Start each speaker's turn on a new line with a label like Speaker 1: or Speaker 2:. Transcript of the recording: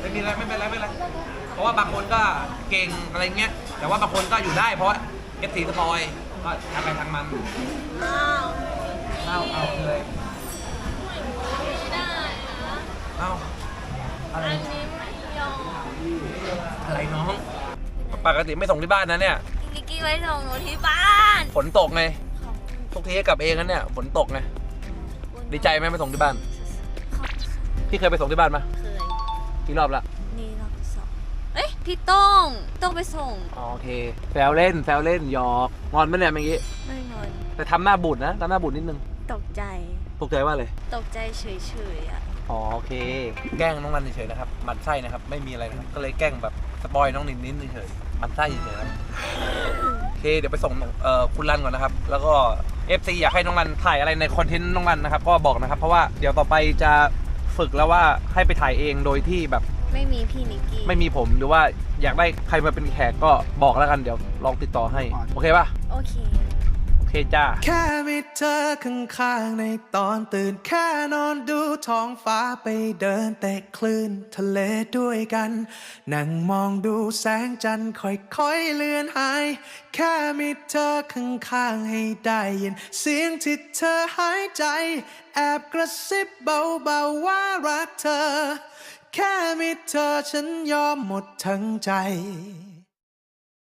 Speaker 1: ไม่มีอะไรไม่เป็นไรไม่เป็นไรเพราะว่าบางคนก็เก่งอะไรเงี้ยแต่ว่าบางคนก็อยู่ได้เพราะเอฟซีสปอยก็ทางไปทางมัน
Speaker 2: อ้าว
Speaker 1: เอาเลย
Speaker 2: ไม่ได้นะ
Speaker 1: เอาอะไร
Speaker 2: อันนี้ไม่ยอม
Speaker 1: อะไรน้องปกติไม่ส่งที่บ้านนะเนี่ย
Speaker 2: นิกกี้ไว้ส่งหนูที่บ้าน
Speaker 1: ฝนตกไง
Speaker 2: ขอบคุณ
Speaker 1: ทุกทีให้กลับเองนะเนี่ยฝนตกไงดีใจไหมไปส่งที่บ้าน
Speaker 2: ขอบคุณ
Speaker 1: พี่เคยไปส่งที่บ้านปะ
Speaker 2: เคย
Speaker 1: กี่รอบละ
Speaker 2: นี่รอบที่สองเอ้ยพี่ต้องไปส่ง
Speaker 1: อ๋อโอเคแซวเล่นหยอกงอนไหมเนี่ยเมื่อกี้
Speaker 2: ไม่งอน
Speaker 1: แต่ทำหน้าบูดนะทำหน้าบูดนิดนึง
Speaker 2: ตกใจ
Speaker 1: ตกใจว่าเลย
Speaker 2: ตกใจเฉยๆอ่ะ
Speaker 1: อ๋อโอเค แกล้งน้องนันเฉยๆนะครับหมันไส้นะครับไม่มีอะไรนะครับก็เลยแกล้งแบบสปอยน้องนินนิดเฉยๆหมันไส้เฉยๆครับโอเคเดี๋ยวไปส่งคุณรันก่อนนะครับแล้วก็ FC อยากให้น้องรันถ่ายอะไรในคอนเทนต์น้องรันนะครับก็บอกนะครับเพราะว่าเดี๋ยวต่อไปจะฝึกแล้วว่าให้ไปถ่ายเองโดยที่แบบ
Speaker 2: ไม่มีพี่นิกกี้
Speaker 1: ไม่มีผมหรือว่าอยากได้ใครมาเป็นแขกก็บอกแล้วกันเดี๋ยวลองติดต่อให้โอเคป่ะ
Speaker 2: โอเค
Speaker 1: โอเคจ้า
Speaker 3: แค่มีเธอข้างๆในตอนตื่นแค่นอนดูท้องฟ้าไปเดินเตะคลื่นทะเลด้วยกัน นั่งมองดูแสงจันทร์ค่อยๆเลือนหาย แค่มีเธอข้างๆให้ได้ยินเสียงที่เธอหายใจ แอบกระซิบเบาๆว่ารักเธอ แค่มีเธอฉันยอมหมดทั้งใจ